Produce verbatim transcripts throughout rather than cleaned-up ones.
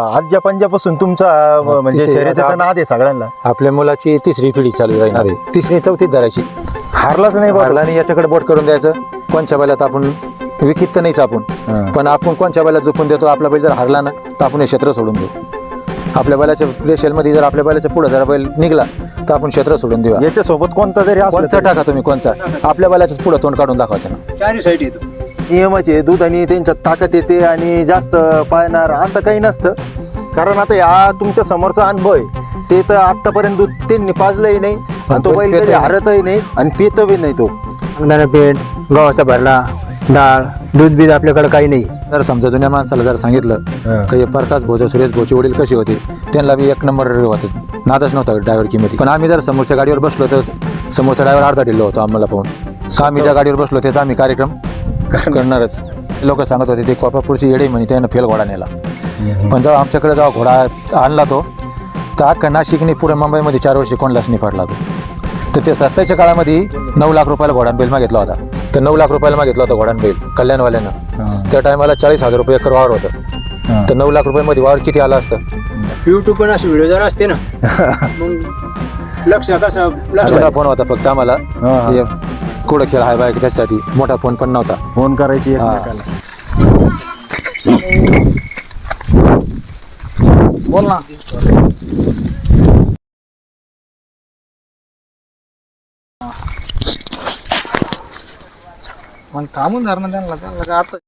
आजच्या पंजापासून तुमचा म्हणजे शर्यतीचा नाद आहे सगळ्यांना. आपल्या मुलाची तिसरी पिढी चालू राहणार आहे, तिसरी चौथीत धरायची. हारलाच नाही हारला नाही याच्याकडे बोट करून द्यायचं. कोणच्या बैलात आपण विकित तर नाहीच आपण, पण आपण कोणच्या बैलात झोपून देतो. आपला बैल जर हारला ना तर आपण हे क्षेत्र सोडून देऊ. आपल्या बैलाच्या रेशेलमध्ये जर आपल्या बैलाच्या पुढे जर बैल निघला तर आपण क्षेत्र सोडून देऊ. याच्यासोबत कोणता जरी कोणचा टाका तुम्ही, कोणचा आपल्या बैलाच्या पुढे तोंड काढून दाखवायचं ना. चारी साईड येतो नियमाचे दूध आणि त्यांच्यात ताकद येते आणि जास्त पाळणार असं काही नसतं. कारण आता या तुमच्या समोरचा अनुभव आहे, ते तर आतापर्यंत दूध त्यांनी पाजलंही नाही आणि तो बैल कधी हारतही नाही आणि पितही नाही. तो शेंगदाणा पेंट, गव्हाचा भरला, डाळ, दूध बीज आपल्याकडे काही नाही. जर समजा जुन्या माणसाला जर सांगितलं की प्रकाश भोजे सुरेश भोचे वडील कसे होते, त्यांना बी एक नंबर होते, नादच नव्हता ड्रायव्हर किमती. पण आम्ही जर समोरच्या गाडीवर बसलो तर समोरचा ड्रायव्हर अर्धा ढिल्लो होतो आम्हाला पाहून. का आम्ही ज्या गाडीवर बसलो त्याचा आम्ही कार्यक्रम करणारच. लोक सांगत होते ते कोपापूरची येडे म्हणे त्यानं फेल घोडा नेला. पण जेव्हा आमच्याकडे जेव्हा घोडा आणला तो तर अख्खा नाशिकने पुढे मुंबईमध्ये चार वर्षे कोणलाच नाही पडला तो. तर ते सस्त्याच्या काळामध्ये नऊ लाख रुपयाला घोडान बैल मागितला होता. तर नऊ लाख रुपयाला मागितला होता घोडान बैल कल्याणवाल्यानं. त्या टायमाला चाळीस हजार रुपये एकर वावर होतं. तर नऊ लाख रुपयामध्ये वावर किती आला असतं. युट्यूब पण असे व्हिडिओ जर असते ना मग लक्ष कसं छोटा फोन होता फक्त आम्हाला, कुठं खेळ हाय बाय त्याच्यासाठी. मोठा फोन पण नव्हता. फोन करायची बोल ना. मग थांबून धरणं त्यांना त्यांना आता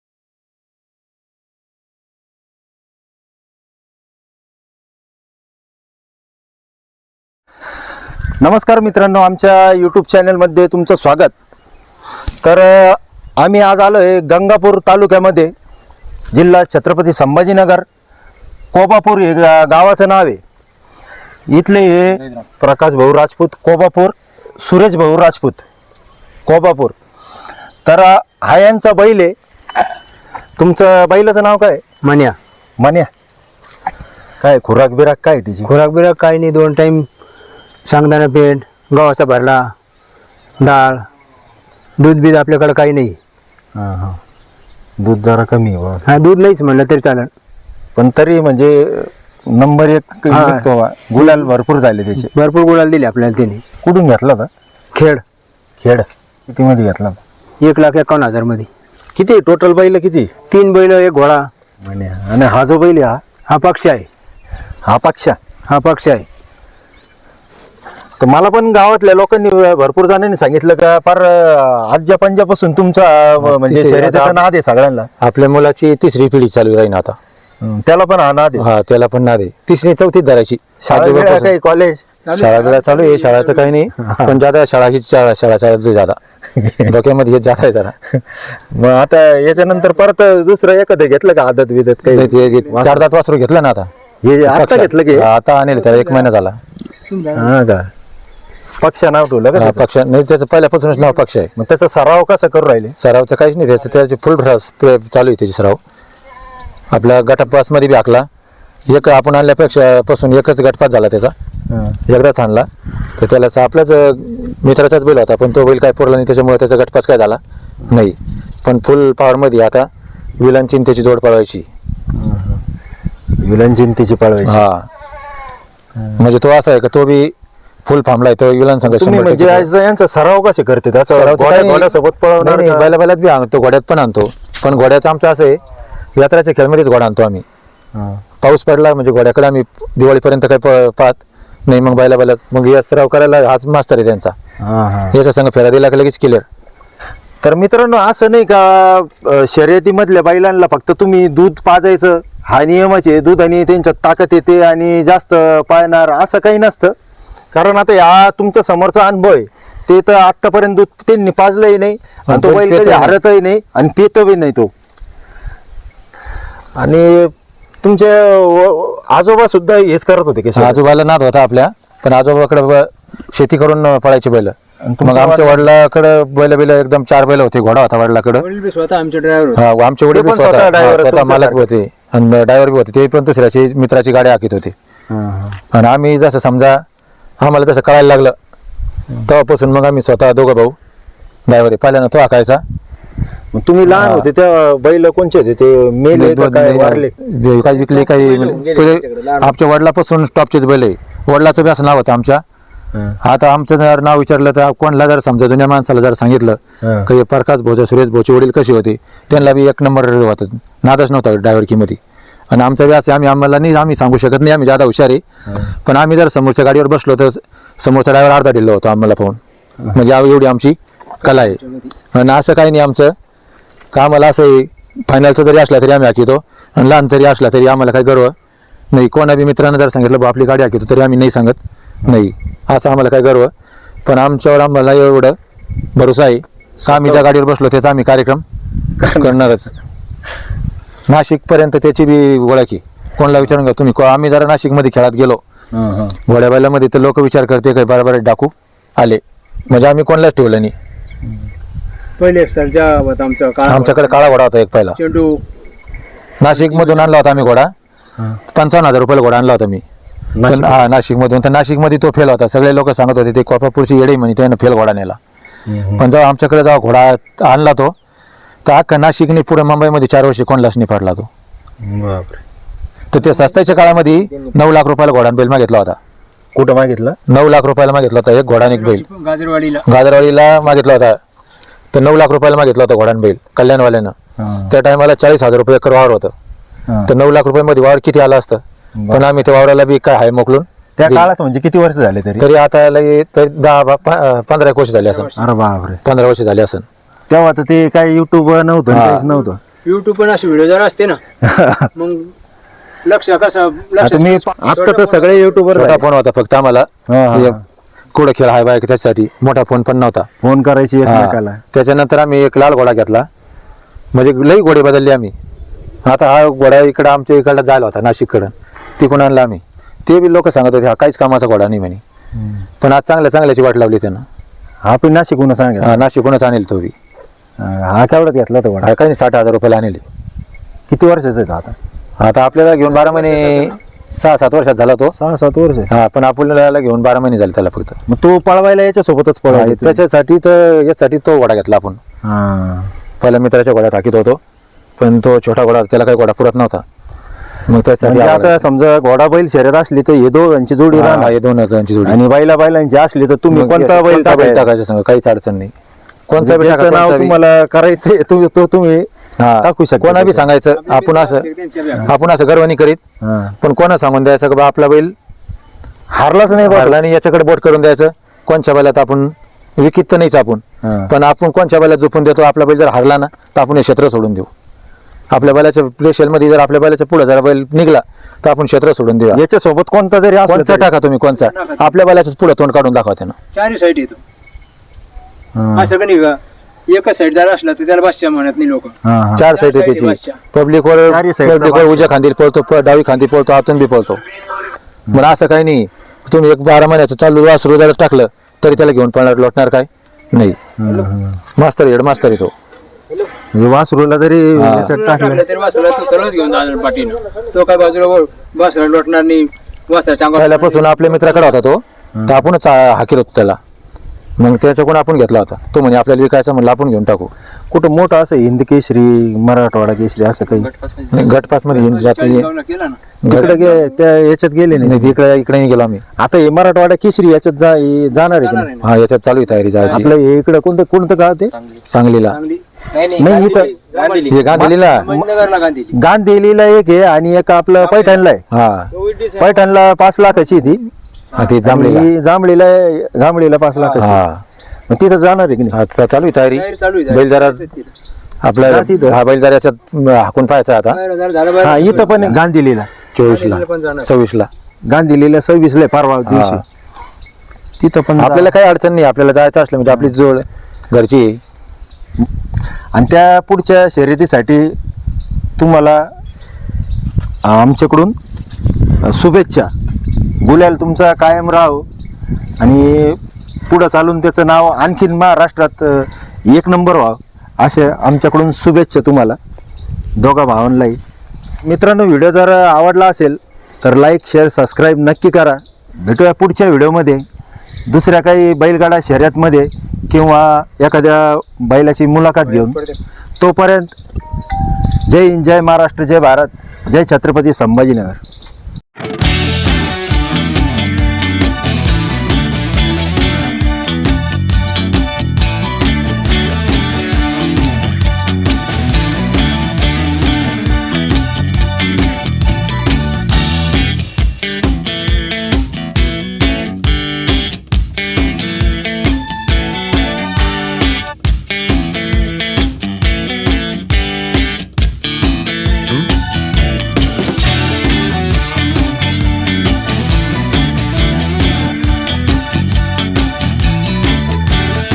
नमस्कार मित्रांनो, आमच्या यूट्यूब चॅनलमध्ये तुमचं स्वागत. तर आम्ही आज आलो आहे गंगापूर तालुक्यामध्ये, जिल्हा छत्रपती संभाजीनगर, कोबापूर हे गा गावाचं नाव आहे. इथले हे प्रकाश भाऊ राजपूत कोबापूर, सुरेश भाऊ राजपूत कोबापूर. तर हा यांचा बैल आहे. तुमचं बैलाचं नाव काय? मन्या. मन्या. काय खुराक बिराक काय तिची? खुराक बिराक काही नाही. दोन टाईम शेंगदाणा पेंट, गव्हाचा भरला, डाळ, दूध बीज आपल्याकडे काही नाही. हां हां दूध जरा कमी आहे. हा दूध नाहीच म्हणलं तरी चालेल, पण तरी म्हणजे नंबर एक निघतो. गुलाल भरपूर झाले त्याचे. भरपूर गुलाल दिले आपल्याला त्याने. कुठून घेतला होता? खेळ खेड. किती मध्ये घेतला होता? एक लाख एकावन्न हजार मध्ये. किती टोटल बैल किती? तीन बैल, एक घोडा. म्हणे आणि हा जो बैल आहे हा हा पक्ष आहे. हा पक्षा हा पक्ष आहे. तर मला पण गावातल्या लोकांनी भरपूर जणांनी सांगितलं का फार आजच्या पंजापासून तुमचा म्हणजे शर्यतीचा नाद आहे सगळ्यांना. आपल्या मुलाची तिसरी पिढी चालू राहील आता. त्याला पण हा नाद आहे. हा त्याला पण नाद आहे. तिसरी चौथीत धरायची. शाळा काही कॉलेज शाळा बिळा चालू आहे. शाळाचं काही नाही, पण ज्यादा शाळा ही शाळा शाळा चालू ज्यादा डोक्यामध्ये जात आहे जरा. मग आता याच्यानंतर परत दुसरं एखादं घेतलं का आदत विदत काही? चार दात वासरू घेतलं ना आता. हे आता घेतलं की? आता आणले त्याला एक महिना झाला. हा का? पक्ष नाव ठेवलं का? पक्ष नाही, त्याचं पहिल्यापासूनच नाव पक्ष आहे. मग त्याचा सराव कसा करू राहिले? सरावचं काहीच नाही. त्याचं त्याची फुल चालू आहे त्याची सराव. आपल्या गटपास मध्ये बी आखला. एक आपण आणल्यापेक्षा पासून एकच गटपास झाला त्याचा, एकदाच आणला. तर त्याला आपल्याच मित्राचाच बैल होता, पण तो बैल काय पुरला नाही, त्याच्यामुळे त्याचा गटपास काय झाला नाही. पण फुल पॉवर मध्ये आता विलांची त्याची जोड पळवायची. विलांची त्याची पळवायची. हा म्हणजे तो असा आहे का तो बी फुल फार्मला आहे तो विलान संघ. म्हणजे यांचा सराव कसे करते? घोड्यासोबत पळवणार? बैला बैलात बी आणतो, घोड्यात पण आणतो. पण घोड्याचं आमचं असं आहे, यात्राच्या खेळमध्येच घोडा आणतो आम्ही. पाऊस पडला म्हणजे घोड्याकडे आम्ही दिवाळीपर्यंत काही पाहत नाही. मग बैला बैलात मग या सराव करायला हाच मास्तर आहे त्यांचा. याच्या संघ फेरा दिला का लगेच क्लिअर. तर मित्रांनो, असं नाही का शर्यतीमधल्या बैलांना फक्त तुम्ही दूध पाजायचं हा नियमच आहे. दूध आणि त्यांच्यात ताकद येते आणि जास्त पाळणार असं काही नसतं. कारण आता या तुमच्या समोरचा अनुभव आहे, ते तर आतापर्यंत दूध त्यांनी पाजलंही नाही आणि तो बैल कधी हारतही नाही आणि पितही नाही तो. आणि तुमचे आजोबा सुद्धा हेच करत होते की? आजोबाला नाद होता आपल्या, पण आजोबाकडे शेती करून पळायचे बैल. मग आमच्या वडिलाकडे बैल बैल एकदम चार बैल होते. घोडा होता वडिलाकडे. स्वतः आमचे ड्रायव्हर. हा आमचे वडील स्वतः मालक होते आणि ड्रायव्हर बी होते. ते पण दुसऱ्याची मित्राची गाडी हाकीत होते. आणि आम्ही जसं समजा आम्हाला तसं कळायला लागलं तेव्हापासून मग आम्ही स्वतः दोघं भाऊ ड्रायव्हर पहिल्यानं तो हाकायचा मग तुम्ही लहान होते त्या बैल कोणचे होते ते मेले का काय वारले? जे काही विकले काही म्हणजे पहिले आमच्या वडिलापासून टॉपचेच बैल आहे. वडिलाचं बी असं नाव होतं आमच्या. हा. आता आमचं जर नाव विचारलं तर कोणाला जर समजा जुन्या माणसाला जर सांगितलं हा. की प्रकाश भोजा सुरेश भोचे वडील कसे होते, त्यांना बी एक नंबर होतं, नादच नव्हता ड्रायव्हर कीमध्ये. आणि आमचं बी असं आम्ही आम्हाला नाही आम्ही सांगू शकत नाही, आम्ही जादा हुशार आहे. पण आम्ही जर समोरच्या गाडीवर बसलो तर समोरचा ड्रायव्हर अर्धा दिलं होतं आम्हाला पाहून. म्हणजे आव- एवढी आमची कला आहे. आणि असं काही नाही आमचं का आम्हाला असं आहे फायनलचं जरी असला तरी आम्ही हाकितो आणि लहान जरी असला तरी आम्हाला काही गर्व नाही. कोणा बी मित्रांना जर सांगितलं बा आपली गाडी हाकितो तरी आम्ही नाही सांगत नाही, असं आम्हाला काही गर्व. पण आमच्यावर आम्हाला एवढं भरोसा आहे का आम्ही ज्या गाडीवर बसलो त्याचा आम्ही कार्यक्रम करणारच. नाशिकपर्यंत त्याची बी ओळख आहे. कोणाला विचारून घ्या तुम्ही, आम्ही जरा नाशिकमध्ये खेळात गेलो हा, हा. घोड्या बैलामध्ये तर लोक विचार करते काही बरोबर डाकू आले, म्हणजे आम्ही कोणालाच ठेवलं नाही. पहिले एक सरजा होता आमचा काळा आमच्याकडे काळा घोडा होता एक पहिला, चेंडू नाशिक मधून आणला होता आम्ही घोडा. हा. पंचावन्न हजार रुपयाला घोडा आणला होता मी. नाशिक? पण हा नाशिक मधून. तर नाशिक मध्ये तो फेल होता. सगळे लोक सांगत होते ते कोपापूरची येडे म्हणे त्यानं फेल घोडा नेला. हम्म. पण जेव्हा आमच्याकडे जेव्हा घोडा आणला तो तर अख्खा नाशिकने पुढे मुंबईमध्ये चार वर्षी कोणलाच नाही पडला तो. बापरे. तर ते सस्त्याच्या काळामध्ये नऊ लाख रुपयाला घोडा आणि बैल मागितला होता. कुठं मागितलं? नऊ लाख रुपयाला मागितला होता एक घोडा आणि एक बैल. गाजरवाडीला गाजरवाडीला मागितला होता तर नऊ लाख रुपयाला मागितला होता घोडा आणि बैल कल्याणवाल्यानं. हा. त्या टायमाला चाळीस हजार रुपये एकर वावर होतं. हा. तर नऊ लाख रुपयामध्ये वावर किती आलं असतं. पण आम्ही त्या वावराला बी काय हाय मोकलून त्या दिलं. काळात म्हणजे किती वर्ष झाले तरी? तरी आता लगे तर दहा बा- प- पंधरा एक वर्ष झाली असं. अरे बापरे. पंधरा वर्ष झाली असं. तेव्हा तर ते काय युट्यूब नव्हतं हा. काहीच नव्हतं. युट्यूब पण असे व्हिडिओ जरा असते ना मग लक्ष कसं लक्ष आता मी आता तर सगळे युट्यूबर छोटा फोन होता फक्त आम्हाला. हा, हा. हे कुठं खेळ हाय बाय त्याच्यासाठी मोठा फोन पण नव्हता. फोन करायची एकमेकाला. हा. त्याच्यानंतर आम्ही एक लाल घोडा घेतला, म्हणजे लई घोडे बदलले आम्ही. आता हा घोडा इकडं आमच्या इकडला जायला होता नाशिककडं, तिकडून आणला आम्ही. ते बी लोक सांगत होते हा काहीच कामाचा घोडा नाही म्हणे. पण आज चांगल्या चांगल्याची वाट लावली त्यानं. हा पण नाशिकहून सांगा. हा, नाशिकहूनच आणेल तो बी. हा केवढ्यात घेतला तो घोडा? हा काही नाही साठ हजार रुपयाला आणले. किती वर्षाचा आहे तो आता? आता आपल्याला घेऊन बारा महिने सहा सात वर्षात झाला तो. सहा सात वर्ष. हा पण आपल्याला घेऊन बारा महिने झाले त्याला फक्त. मग तो पळवायला याच्या सोबतच पळवायला त्याच्यासाठी तर यासाठी तो घोडा घेतला आपण. हा. पहिला मित्राच्या घोड्यात हाकीत होतो पण तो छोटा घोडा त्याला काही घोडा पुरत नव्हता. मग त्यासाठी म्हणजे हा आता समजा घोडा बैल शर्यत असली तर हे दोघांची जोडी हा, राहणार. हे दोन गांची जोडी. आणि बैला बैलांची असली तर तुम्ही मग कोणता बैल कोणता बैल टाकायचा? टाकायचं सांगा, काहीच अडचण नाही. कोणता बैल ज्याचं टाका, नाव कोणचा बी. तुम्हाला करायचंय तुम्ही तो तुम्ही हा, टाकू शकता. कोणा बी सांगायचं आपण असं आपण असं गर्व नाही करीत. हा. पण कोणा सांगून द्यायचं की बा आपला बैल हारलाच नाही बा. हारला आणि याच्याकडे बोट करून द्यायचं. कोणच्या बैलात आपण विकित तर नाहीच आपण, हा. पण आपण कोणच्या बैलात झोपून देतो. आपला बैल जर हारला ना तर आपण हे क्षेत्र सोडून देऊ. आपल्या बैलाच्या प्रेशरमध्ये जर आपल्या बैलाच्या पुढे जर बैल निघला तर आपण क्षेत्र सोडून देऊ. याच्या सोबत कोणता जरी असला कोणचा तरी. टाका तुम्ही, कोणचा आपल्या बैलाच्या पुढे तोंड काढून दाखवा त्यानं. चारही साईड येतो हा. असं का नाही का एकच साईड जर असला तर त्याला बादशाह म्हणत नाही लोक. हा, हा. चार साईड आहे side आहे त्याची. बसच्या. पब्लिक वर चारही side चा पब्लिक वर उजव्या खांदी पळतो, प- डावी खांदी पळतो, आतून बी पळतो. पण असं काही नाही तुम्ही एक बारा महिन्याचं चालू वासरू जर टाकलं तरी त्याला घेऊन पळणार लोटणार काय नाही. हा, हा. मास्तर हेड मास्तर येतो. म्हणजे वासरूला जरी याच्यात टाकलं टाकलं तरी वासराला तू सर्वच घेऊन जाणार पाठीनं. तो काय बाजूला वर वासरा लोटणार नाही, वासरा चांगला पहिल्यापासून आपल्या मित्राकडे होता तो, तर आपणच हाकीर होतो त्याला. मग त्याच्याकडून आपण घेतला होता. तो म्हणे आपल्याला विकायचा म्हणलं आपण घेऊन टाकू. कुठं मोठं असं हिंद केसरी मराठवाडा केसरी असं काही नाही, गटपास मध्ये घेऊन जाते. केला ना. तिकडे गे- त्या याच्यात गेले नाही. नाही, इकडे इकडे नाही गेलो आम्ही. आता हे मराठवाडा केसरी याच्यात जा हे जाणार आहे की नाही? हा, याच्यात चालू आहे तयारी जायची. आपलं हे इकडं कोणतं कोणतं गाव ते? सांगलीला चांगली नाही इथं हे गांधीला. नगरला गांधी गांधीला एक आहे आणि एक आपलं पैठणला आहे. हा पैठणला पाच लाखाची आहे ती. हा, ती जांभळीला. आणि जांभळीला जांभळीला पाच लाखाची. हा मग तिथं जाणार आहे की नाही? हा, चा- चालू आहे तयारी. तयारी चालू आहे. बैल जरा आपल्या जा तिथं. हा बैल जरा याच्यात हाकून पाहायचा आता. जरा झालं हा बरं. इथं पण आहे गांधीलीला. चोवीस ला पण जाणार. सव्वीस ला गांधीलीला सव्वीस ला परवा दिवशी. तिथं पण जा. आपल्याला काही अडचण नाही. आपल्याला जायचं असलं म्हणजे आपली जोड घरची आहे. आणि त्या पुढच्या शर्यतीसाठी तुम्हाला आमच्याकडून शुभेच्छा. गुलाल तुमचा कायम राहो आणि पुढं चालून त्याचं नाव आणखीन महाराष्ट्रात एक नंबर व्हावं असे आमच्याकडून शुभेच्छा तुम्हाला दोघा भावांनाही. मित्रांनो, व्हिडिओ जर आवडला असेल तर लाईक शेअर सबस्क्राईब नक्की करा. भेटूया पुढच्या व्हिडिओमध्ये दुसऱ्या काही बैलगाडा शर्यतमध्ये किंवा एखाद्या बैलाची मुलाखत घेऊन. तोपर्यंत जय हिंद, जय महाराष्ट्र, जय भारत, जय छत्रपती संभाजीनगर.